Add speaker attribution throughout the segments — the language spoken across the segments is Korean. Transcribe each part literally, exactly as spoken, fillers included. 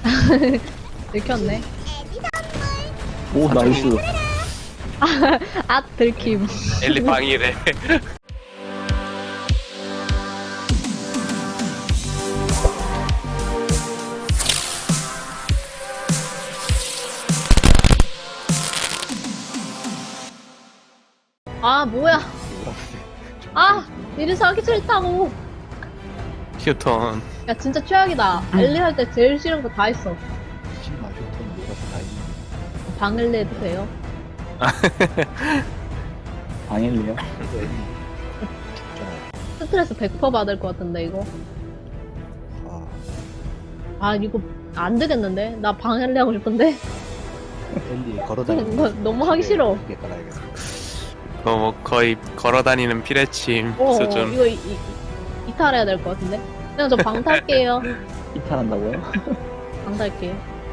Speaker 1: 들켰네.
Speaker 2: 오 나이스.
Speaker 1: 아 들킴.
Speaker 3: 엘리 방이래.
Speaker 1: 아 뭐야. 아 이래서 하기 싫다고.
Speaker 3: 휴톤.
Speaker 1: 야 진짜 최악이다. 엘리 할 때 제일 싫은 거 다 했어.
Speaker 2: 신마 휴톤 놀아서 다행히.
Speaker 1: 방엘리 해도 돼요?
Speaker 2: 방일리요?
Speaker 1: 스트레스 백 퍼센트 받을 것 같은데 이거.
Speaker 2: 아,
Speaker 1: 아 이거 안 되겠는데? 나 방엘리 하고 싶은데?
Speaker 2: 엘리 걸어다니는
Speaker 1: 이거 너무 하기 싫어.
Speaker 2: 이게 깔아야겠어.
Speaker 3: 그거 뭐 거의 걸어다니는 피레침
Speaker 1: 어
Speaker 3: 수준.
Speaker 1: 이거 이, 이, 이탈해야 될 것 같은데? 그냥 저 방 탈게요.
Speaker 2: 이탈한다고요?
Speaker 1: 방 탈게요.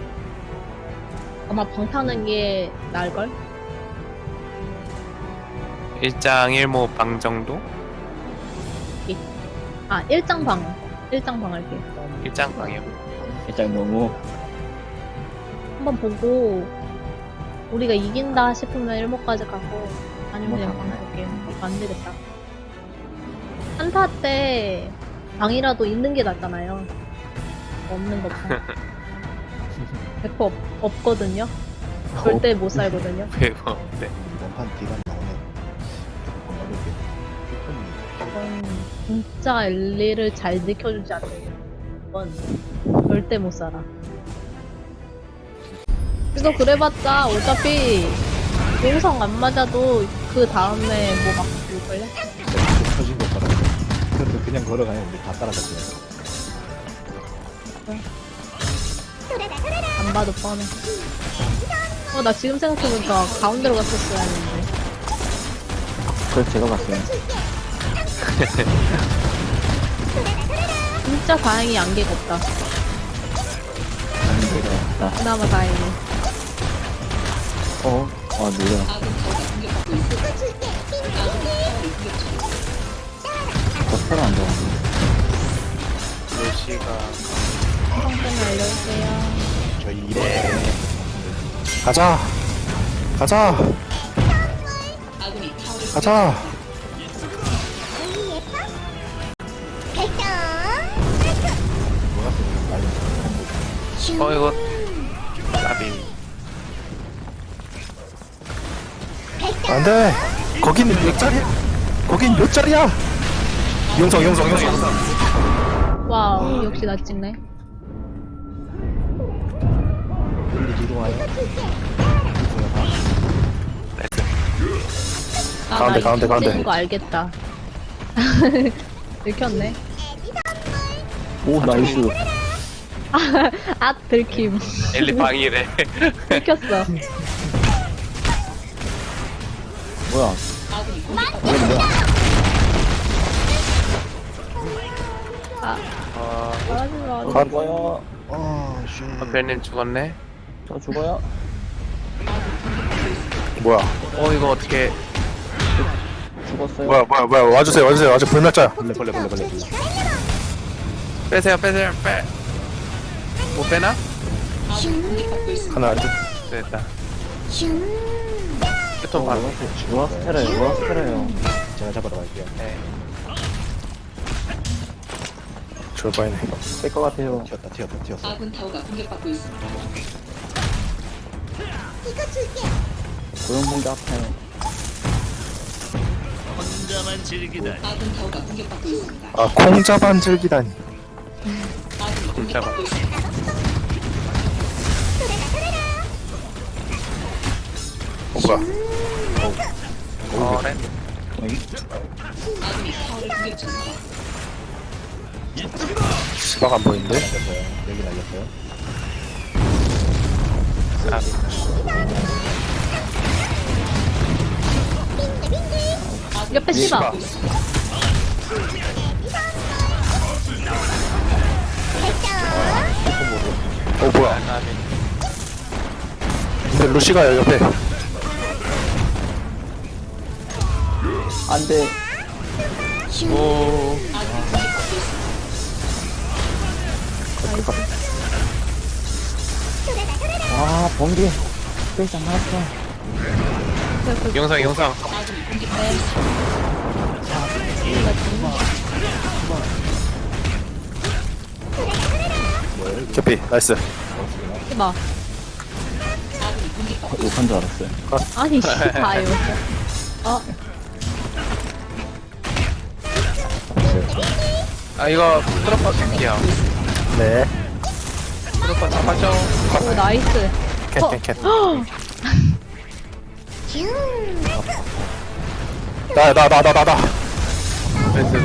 Speaker 1: 아마 방 타는 게 나을걸?
Speaker 3: 일장 일모 방 정도?
Speaker 1: 아 일장 방. 일장 방 할게요.
Speaker 3: 일장 방이요.
Speaker 2: 일단 너무
Speaker 1: 한번 보고 우리가 이긴다 싶으면 일목까지 가고 아니면 그냥 방 갈게요. 이거 안 되겠다. 한타 때 방이라도 있는 게 낫잖아요. 없는 것보다. 백 퍼센트 없, 없거든요. 절대 못 살거든요.
Speaker 3: 배워. 네.
Speaker 2: 원판 뒤가 나오면 건강하게 휴톤이
Speaker 1: 이건 진짜 엘리를 잘 지켜주지 않는 건 절대 못 살아. 그래서 그래봤자 어차피 용성 안 맞아도 그 다음에 뭐 막 죽을걸요?
Speaker 2: 터진 거 걸어. 그래도 그냥 걸어가면 우리 다 따라갔어요.
Speaker 1: 안 봐도 뻔해. 어, 나 지금 생각해보니까 가운데로 갔었어야 했는데.
Speaker 2: 그래서 제가 갔어요.
Speaker 1: 진짜 다행히 안개가 없다.
Speaker 2: 아,
Speaker 1: 그나마 다행히.
Speaker 2: 어, 아 노래. 버스를 안 좋아하네.
Speaker 3: 루시가
Speaker 1: 성분 알려주세요.
Speaker 2: 저희 이래. 가자. 가자. 가자.
Speaker 3: 어 이거 나비.
Speaker 4: 안돼. 거긴 몇 자리야? 거긴 몇 자리야? 용성 용성 용성 용성.
Speaker 1: 와우, 역시 나 찍네.
Speaker 2: 엘리 뒤로 와요.
Speaker 1: 아,
Speaker 4: 가운데,
Speaker 1: 나
Speaker 4: 가운데,
Speaker 1: 이거
Speaker 4: 가운데.
Speaker 1: 찍은 거 알겠다. 들켰네.
Speaker 2: 오 나이스.
Speaker 1: 아, 들킴.
Speaker 3: 엘리 방이래.
Speaker 1: 들켰어.
Speaker 2: 뭐야? 이게 뭐야?
Speaker 1: 아,
Speaker 3: 어,
Speaker 1: 말하지 마.
Speaker 4: 가-
Speaker 2: 죽어요. 아 쉣.
Speaker 3: 어 벨님 죽었네.
Speaker 2: 저 죽어요.
Speaker 4: 뭐야?
Speaker 3: 어 이거 어떻게?
Speaker 2: 죽었어요.
Speaker 4: 뭐야 뭐야 뭐야 와주세요 와주세요 와주 불멸자야.
Speaker 2: 벌레 벌레 벌레 벌레 벌레.
Speaker 3: 빼세요 빼세요 빼. 못 빼나?
Speaker 4: 하나 둘.
Speaker 3: 됐다. 휴톤 방.
Speaker 2: 우와 스테라요. 우와 스테라요. 제가 잡으러 갈게요.
Speaker 3: 네.
Speaker 4: 졸바이네.
Speaker 2: 뺄것 같아요. 튀었다 튀었다 튀었어.
Speaker 5: 아군 타워가 공격받고 있습니다.
Speaker 2: 고용봉도 아파요.
Speaker 5: 아군 타워가 공격받고 있습니다.
Speaker 4: 아 콩자반 즐기다니.
Speaker 5: 아군이
Speaker 3: 진짜
Speaker 5: 공격받고 있습니다.
Speaker 4: 어 뭐야?
Speaker 3: 어 렌.
Speaker 5: 아군이 타워를 공격 중입니다.
Speaker 4: 시박 안 보이는데?
Speaker 2: 날렸어요. 여기 날렸어요.
Speaker 1: 옆에 씹어.
Speaker 4: 어 뭐야?
Speaker 3: 나비.
Speaker 4: 근데 루시가 옆에.
Speaker 2: 안돼.
Speaker 3: 오.
Speaker 6: 번개 스페이스 안 나왔어.
Speaker 3: 영상 영상.
Speaker 4: 캐피 나이스.
Speaker 1: 해봐.
Speaker 6: 욕한 줄 알았어요.
Speaker 1: 아니, 씨, 봐요. 어,
Speaker 3: 아 이거 트로퍼 캔이야.
Speaker 4: 네.
Speaker 3: 트로퍼 잡아줘.
Speaker 1: 오, 나이스. 어.
Speaker 4: 캔캔캔. 나나 나 나 나 나.
Speaker 3: 그래서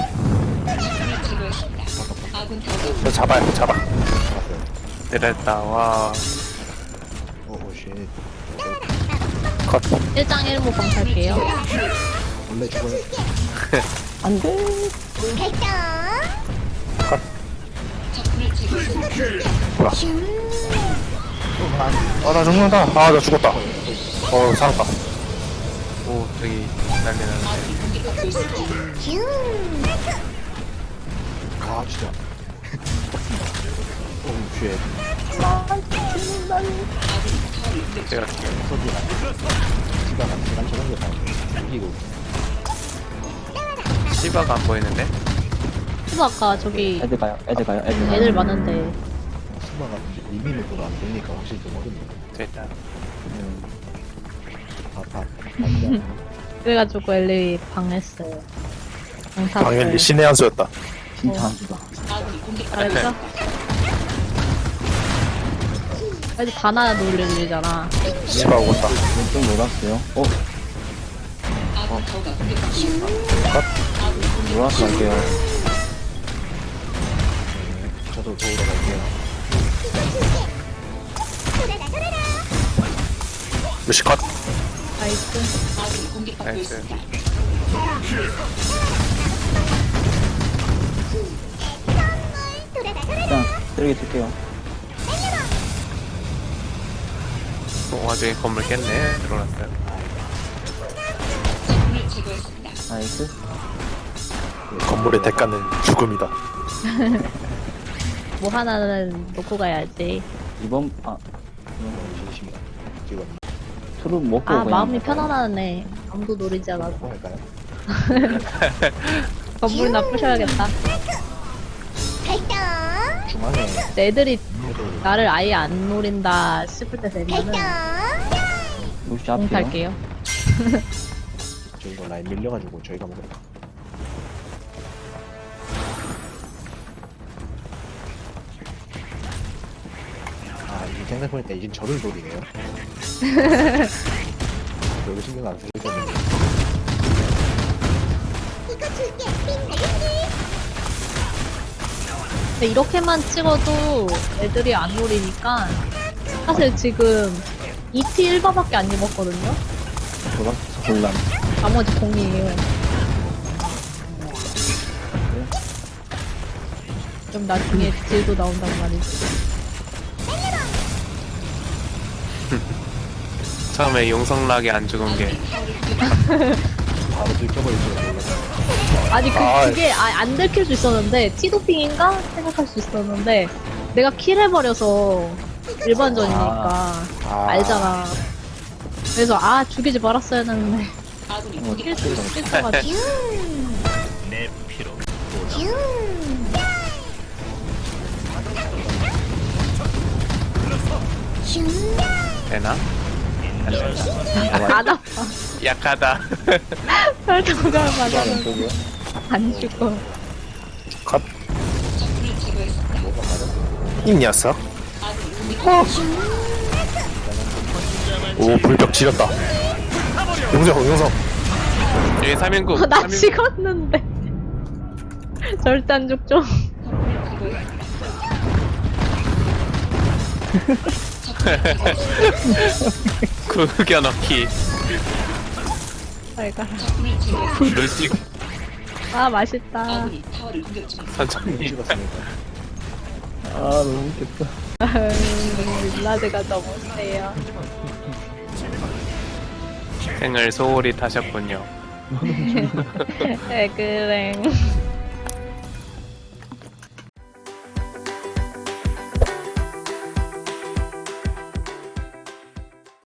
Speaker 5: 아군 타워가
Speaker 4: 저 잡아요 잡아.
Speaker 3: 때렸다. 와.
Speaker 2: 오오쉣.
Speaker 4: 컷.
Speaker 1: 일 장 일 모 방탈게요.
Speaker 2: 원래 죽어요.
Speaker 6: 안 돼.
Speaker 5: 적군을 제거했습니다.
Speaker 4: 아나 죽는다. 아 나 죽었다. 어 살았다.
Speaker 3: 오 저기 난리 났네.
Speaker 5: 아군이 공격받고 있습니다.
Speaker 2: 아 진짜. 오쉣.
Speaker 3: 제가
Speaker 2: 소리가. 시간 시간 저런 게 다. 이기고.
Speaker 3: 시바가 안 보이는데?
Speaker 1: 수아 아까 저기
Speaker 6: 애들 가요. 애들 가요. 애들 가요.
Speaker 1: 애들 많은데.
Speaker 2: 수마가 리미는 도안 되니까 확실히 좀 어렵네.
Speaker 3: 됐다.
Speaker 2: 다다
Speaker 1: 그래가지고 엘리 방했어요. 방사.
Speaker 4: 방엘리 신의 한 수였다.
Speaker 6: 진짜 안 죽어.
Speaker 5: 아군이 공격받고
Speaker 1: 잘했어?
Speaker 5: 있습니다.
Speaker 1: 애들 다나 놀리잖아.
Speaker 4: 씨발 오겠다.
Speaker 6: 좀 놀았어요. 어?
Speaker 5: 아군 타워가 공격받고 있습니다.
Speaker 6: 놀았어 갈게요.
Speaker 2: 저도 도우러 갈게요.
Speaker 4: 루시 컷.
Speaker 1: 나이스.
Speaker 5: 아군이 공격받고
Speaker 3: 나이스.
Speaker 5: 있습니다.
Speaker 6: 일단 쓰레기 줄게요.
Speaker 3: 어, 와중에 건물 깼네. 들어왔어요.
Speaker 5: 적군을 제거했습니다.
Speaker 6: 나이스.
Speaker 4: 건물의 대가는 죽음이다.
Speaker 1: 뭐 하나는 놓고 가야지.
Speaker 6: 이번 아
Speaker 2: 진심이다. 지금
Speaker 6: 술을 먹고
Speaker 1: 아,
Speaker 6: 그냥
Speaker 1: 마음이
Speaker 6: 갈까요?
Speaker 1: 편안하네. 아무도 노리지 않아서.
Speaker 2: 뭐 할까요?
Speaker 1: 건물 나쁘셔야겠다.
Speaker 2: 중앙에
Speaker 1: 근데 애들이
Speaker 2: 애들
Speaker 1: 나를 아예 안 노린다 싶을 때 되면은
Speaker 6: 루시
Speaker 1: 공
Speaker 6: 앞이요.
Speaker 1: 탈게요.
Speaker 2: 저희가 라인 밀려가지고 저희가 먹을까? 아 이게 생각해보니까 이젠 저를 노리네요. 별로 신경 안 쓰거든요.
Speaker 1: 근데 이렇게만 찍어도 애들이 안 노리니까 사실 지금 이 티 일 바밖에 안 입었거든요?
Speaker 6: 돌아서 곤란.
Speaker 1: 나머지 공이에요. 좀 나중에 딜도 나온단 말이지.
Speaker 3: 처음에 용성락이 안 죽은 게
Speaker 2: 바로 들켜버릴 줄 몰랐어요.
Speaker 1: 아니 그,
Speaker 4: 아,
Speaker 1: 그게 아, 안 들킬 수 있었는데 티도핑인가 생각할 수 있었는데 내가 킬해버려서 일반전이니까
Speaker 4: 아.
Speaker 1: 알잖아. 그래서 아 죽이지 말았어야 했는데
Speaker 5: 아군이
Speaker 6: 어,
Speaker 5: 공격받고
Speaker 1: 킬
Speaker 5: 있습니다.
Speaker 1: 킬쳐가지고
Speaker 3: 되나? 안 된다.
Speaker 1: 안 아파.
Speaker 3: 약하다.
Speaker 1: 설정을
Speaker 6: 이거는
Speaker 1: 맞아도
Speaker 6: 저기요.
Speaker 1: 안 죽어.
Speaker 4: 컷.
Speaker 5: 적군을 제거했습니다.
Speaker 4: 이 녀석.
Speaker 5: 아군이 공격받고 있습니다.
Speaker 4: 오 불벽 지렸다. 용성 용성.
Speaker 3: 여기 삼 인국.
Speaker 1: 어, 나 찍었는데 절대 안 죽죠.
Speaker 3: 구겨 넣기.
Speaker 1: 잘 가.
Speaker 5: 적군을 제거했습니다.
Speaker 3: 룰찍
Speaker 1: 아 맛있다.
Speaker 5: 아군이 타워를 공격 중입니다.
Speaker 3: 천천히.
Speaker 2: 찍었으니까.
Speaker 6: 아 너무 웃겼다.
Speaker 1: 빌라드가 너무 세요.
Speaker 3: 생을 소홀히 타셨군요.
Speaker 1: 에그랭.